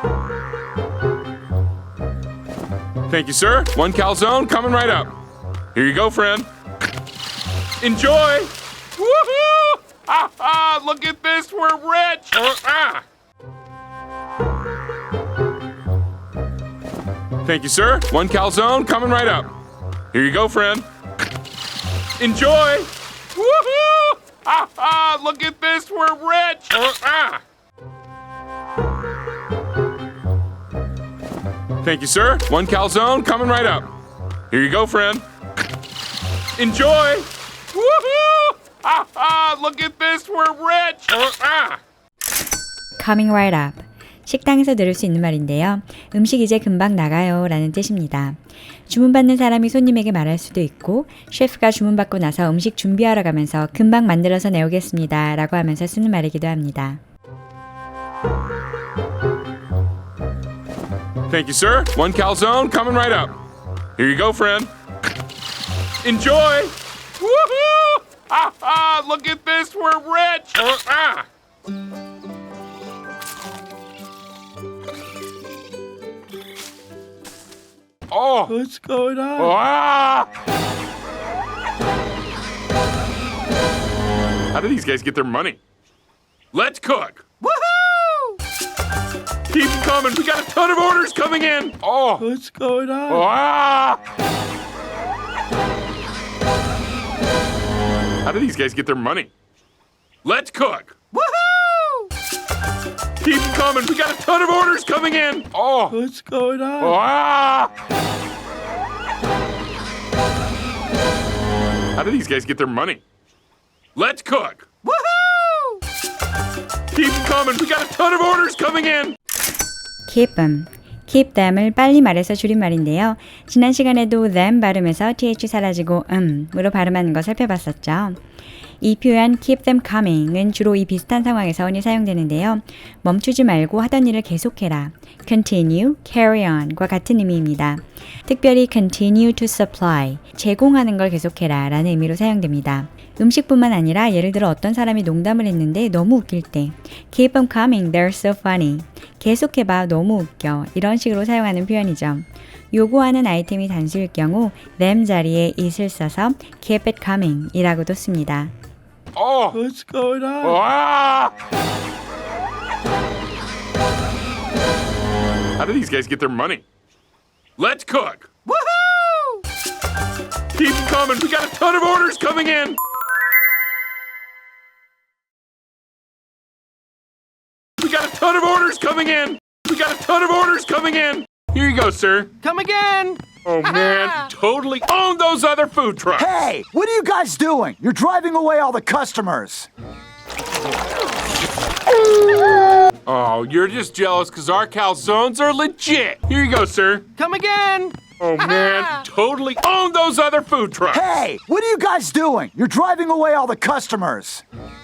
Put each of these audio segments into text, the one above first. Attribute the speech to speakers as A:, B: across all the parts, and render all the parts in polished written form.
A: Thank you, sir. One calzone coming right up. Here you go, friend. Enjoy! Woohoo! Ha ha! Look at this, we're rich! Thank you, sir. One calzone coming right up. Here you go, friend. Enjoy! Woohoo! Ha ha! Look at this, we're rich! Thank you, sir. One calzone coming right up. Here you go, friend. Enjoy! Woohoo! Ha ha! Look at this, we're rich!
B: Coming right up. 식당에서 들을 수 있는 말인데요. 음식 이제 금방 나가요 라는 뜻입니다. 주문받는 사람이 손님에게 말할 수도 있고 셰프가 주문받고 나서 음식 준비하러 가면서 금방 만들어서 내오겠습니다 라고 하면서 쓰는 말이기도 합니다.
A: Thank you, sir. One calzone coming right up. Here you go, friend. Enjoy! Woohoo! Ha ha! Look at this, we're rich! Oh!
C: What's going on?
A: Ah! How do these guys get their money? Let's cook! Woohoo! Keep coming. We got a ton of orders coming in. Oh!
C: What's going on?
A: Ah! How do these guys get their money? Let's cook! Woohoo! Keep coming. We got a ton of orders coming in. Oh!
C: What's going on?
A: Ah! How do these guys get their money? Let's cook! Woohoo! Keep coming. We got a ton of orders coming in.
B: Keep them. Keep them을 빨리 말해서 줄임말인데요. 지난 시간에도 them 발음에서 th 사라지고 으로 발음하는 거 살펴봤었죠. 이 표현 keep them coming은 주로 이 비슷한 상황에서 흔히 사용되는데요. 멈추지 말고 하던 일을 계속해라. continue, carry on과 같은 의미입니다. 특별히 continue to supply, 제공하는 걸 계속해라 라는 의미로 사용됩니다. 음식뿐만 아니라 예를 들어 어떤 사람이 농담을 했는데 너무 웃길 때 keep them coming, they're so funny. 계속해봐, 너무 웃겨. 이런 식으로 사용하는 표현이죠. 요구하는 아이템이 단수일 경우 them 자리에 it을 써서 keep it coming 이라고도 씁니다.
A: Oh!
C: What's going on?
A: Ah! How do these guys get their money? Let's cook! Woohoo! Keep coming. We got a ton of orders coming in. We got a ton of orders coming in. We got a ton of orders coming in. Here you go, sir.
D: Come again!
A: Oh, man. Totally own those other food trucks.
E: Hey, what are you guys doing? You're driving away all the customers.
A: Oh, you're just jealous because our calzones are legit. Here you go, sir.
D: Come again!
A: Oh, man. Totally own those other food trucks.
E: Hey, what are you guys doing? You're driving away all the customers.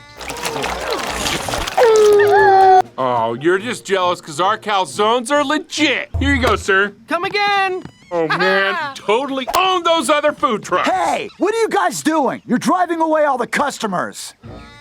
A: Oh, you're just jealous because our calzones are legit. Here you go, sir.
D: Come again!
A: Oh, man. Totally own those other food trucks.
E: Hey, what are you guys doing? You're driving away all the customers.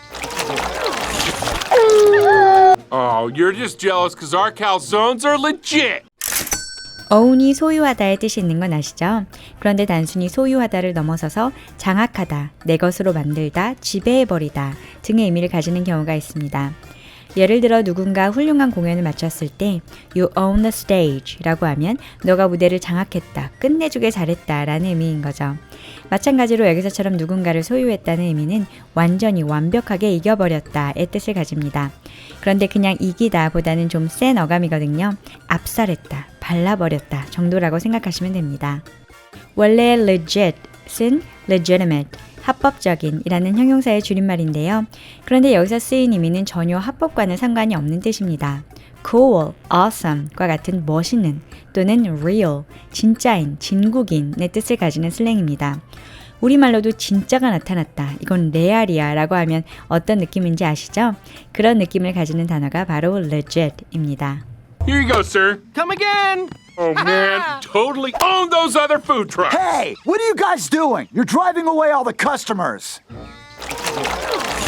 A: Oh, you're just jealous because our calzones are legit.
B: own이 소유하다의 뜻이 있는 건 아시죠? 그런데 단순히 소유하다를 넘어서서 장악하다, 내 것으로 만들다, 지배해버리다 등의 의미를 가지는 경우가 있습니다. 예를 들어 누군가 훌륭한 공연을 마쳤을 때 You own the stage 라고 하면 너가 무대를 장악했다, 끝내주게 잘했다 라는 의미인 거죠. 마찬가지로 여기서처럼 누군가를 소유했다는 의미는 완전히 완벽하게 이겨버렸다의 뜻을 가집니다. 그런데 그냥 이기다 보다는 좀 센 어감이거든요. 압살했다, 발라버렸다 정도라고 생각하시면 됩니다. 원래 legit은 legitimate, 합법적인 이라는 형용사의 줄임말인데요. 그런데 여기서 쓰인 의미는 전혀 합법과는 상관이 없는 뜻입니다. cool, awesome과 같은 멋있는 또는 real, 진짜인, 진국인의 뜻을 가지는 슬랭입니다. 우리말로도 진짜가 나타났다, 이건 레알이야 라고 하면 어떤 느낌인지 아시죠? 그런 느낌을 가지는 단어가 바로 legit입니다.
A: Here you go, sir.
D: Come again!
A: Oh, man. Totally own those other food trucks.
E: Hey, what are you guys doing? You're driving away all the customers.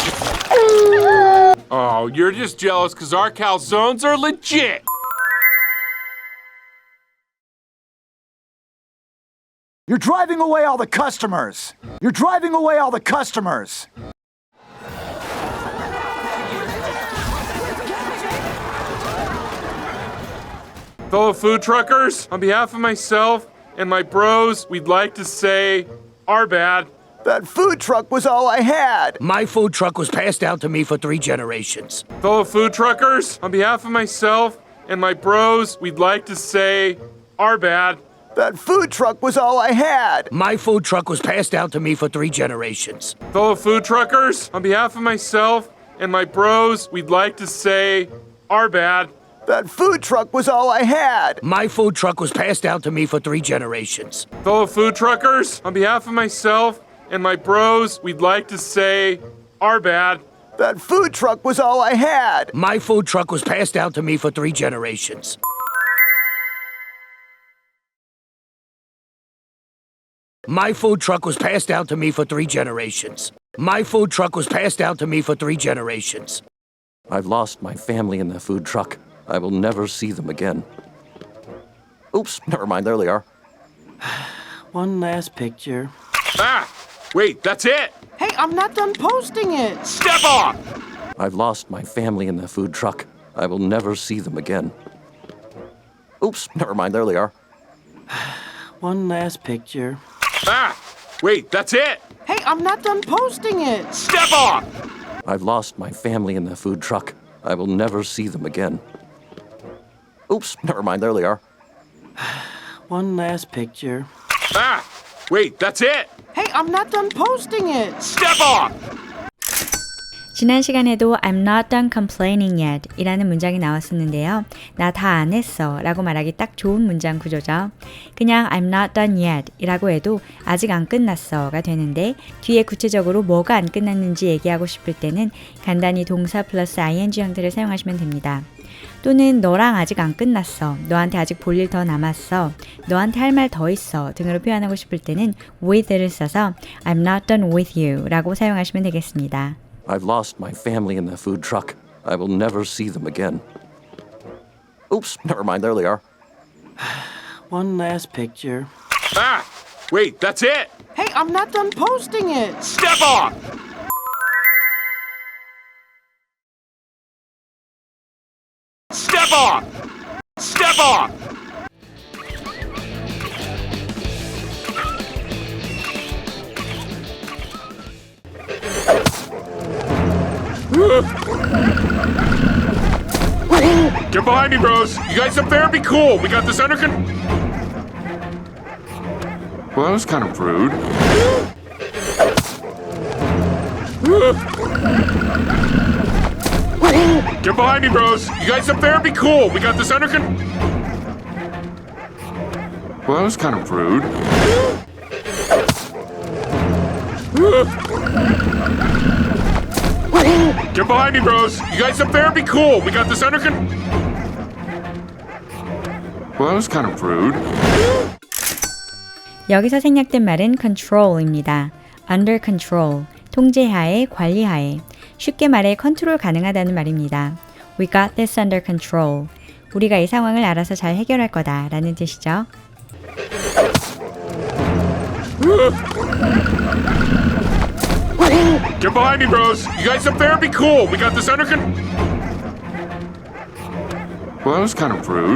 A: Oh, you're just jealous because our calzones are legit.
E: You're driving away all the customers. You're driving away all the customers.
A: Fellow food truckers, on behalf of myself and my bros, we'd like to say, our bad.
E: That food truck was all I had.
F: My food truck was passed down to me for 3 generations.
A: Fellow food truckers, on behalf of myself and my bros, we'd like to say, our bad.
E: That food truck was all I had.
F: My food truck was passed down to me for 3 generations.
A: Fellow food truckers, on behalf of myself and my bros, we'd like to say, our bad.
E: That food truck was all I had.
F: My food truck was passed down to me for 3 generations.
A: Fellow food truckers, on behalf of myself and my bros, we'd like to say, our bad.
E: That food truck was all I had.
F: My food truck was passed down to me for 3 generations. My food truck was passed down to me for 3 generations. My food truck was passed down to me for 3 generations.
G: I've lost my family in the food truck. I will never see them again. Oops, never mind, there they are.
D: One last picture.
A: Ah! Wait, that's it!
D: Hey, I'm not done posting it.
A: Step off!
G: I've lost my family in the food truck. I will never see them again. Oops, never mind, there they are.
D: One last picture.
A: Ah! Wait, that's it!
D: Hey, I'm not done posting it.
A: Step off!
G: I've lost my family in the food truck. I will never see them again. Oops, never mind, there they are.
D: One last picture.
A: Ah! Wait, that's it!
D: Hey, I'm not done posting it.
A: Step off!
B: 지난 시간에도 I'm not done complaining yet 이라는 문장이 나왔었는데요. 나 다 안 했어 라고 말하기 딱 좋은 문장 구조죠. 그냥 I'm not done yet 이라고 해도 아직 안 끝났어 가 되는데 뒤에 구체적으로 뭐가 안 끝났는지 얘기하고 싶을 때는 간단히 동사 플러스 ing 형태를 사용하시면 됩니다. 또는 너랑 아직 안 끝났어, 너한테 아직 볼 일 더 남았어, 너한테 할 말 더 있어 등으로 표현하고 싶을 때는 with를 써서 I'm not done with you 라고 사용하시면 되겠습니다.
G: I've lost my family in the food truck. I will never see them again. Oops, never mind, there they are.
D: One last picture.
A: Ah! Wait, that's it!
D: Hey, I'm not done posting it.
A: Step off! Step off! Step off! Get behind me, bros! You guys up there, be cool! We got this under Well, that was kind of rude. Get behind me, bros! You guys up there, be cool! We got this under Well, that was kind of rude. Get behind me, bros! You guys up there, be cool! We got this under Well, that was kind of rude.
B: 여기서 생략된 말은 control입니다. under control, 통제하에, 관리하에. 쉽게 말해 컨트롤 가능하다는 말입니다. We got this under control. 우리가 이 상황을 알아서 잘 해결할 거다 라는 뜻이죠.
A: Get behind me, bros! You guys up there, be cool! We got this under Well, that was kind of rude.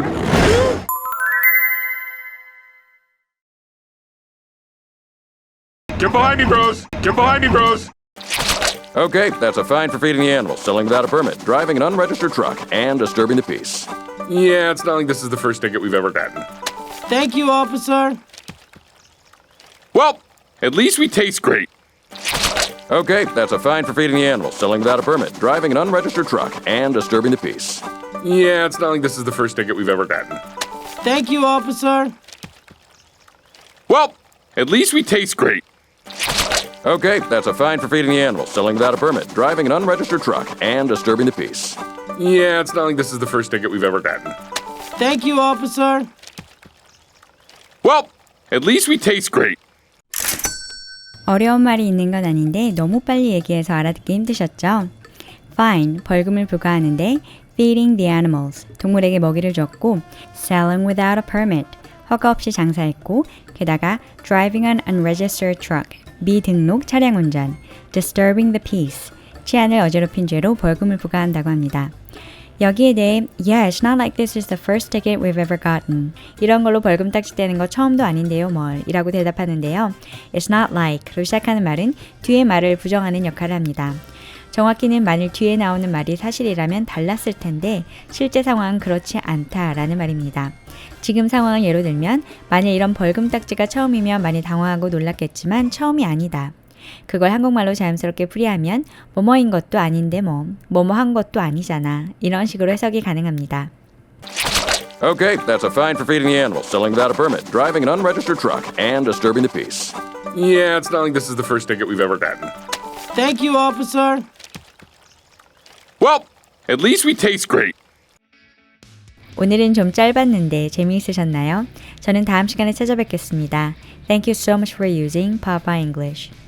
A: Get behind me, bros! Get behind me, bros!
G: Okay, that's a fine for feeding the animals, selling without a permit, driving an unregistered truck, and disturbing the peace.
A: Yeah, it's not like this is the first ticket we've ever gotten.
D: Thank you, officer.
A: Well, at least we taste great.
G: Okay, that's a fine for feeding the animals, selling without a permit, driving an unregistered truck, and disturbing the peace.
A: Yeah, it's not like this is the first ticket we've ever gotten.
D: Thank you, officer.
A: Well, at least we taste great.
G: Okay, that's a fine for feeding the animals, selling without a permit, driving an unregistered truck, and disturbing the peace.
A: Yeah, it's not like this is the first ticket we've ever gotten.
D: Thank you, officer.
A: Well, at least we taste great.
B: 어려운 말이 있는 건 아닌데 너무 빨리 얘기해서 알아듣기 힘드셨죠? Fine, 벌금을 부과하는데 feeding the animals, 동물에게 먹이를 줬고 selling without a permit, 허가 없이 장사했고 게다가 driving an unregistered truck, 미등록 차량 운전, disturbing the peace, 치안을 어지럽힌 죄로 벌금을 부과한다고 합니다. 여기에 대해 Yeah, it's not like this is the first ticket we've ever gotten. 이런 걸로 벌금 딱지떼는 거 처음도 아닌데요 뭘 이라고 대답하는데요. It's not like로 시작하는 말은 뒤의 말을 부정하는 역할을 합니다. 정확히는 만일 뒤에 나오는 말이 사실이라면 달랐을 텐데 실제 상황은 그렇지 않다라는 말입니다. 지금 상황을 예로 들면 만일 이런 벌금 딱지가 처음이면 많이 당황하고 놀랐겠지만 처음이 아니다. 그걸 한국말로 자연스럽게 풀이하면 뭐뭐인 것도 아닌데 뭐뭐 한 것도 아니잖아. 이런 식으로 해석이 가능합니다.
G: Okay, that's a fine for feeding the animals, selling without a permit, driving an unregistered truck, and disturbing the peace.
A: Yeah, it's not like this is the first ticket we've ever gotten.
D: Thank you, officer.
A: Well, at least we taste great.
B: 오늘은 좀 짧았는데 재미있으셨나요? 저는 다음 시간에 찾아뵙겠습니다. Thank you so much for using Papa English.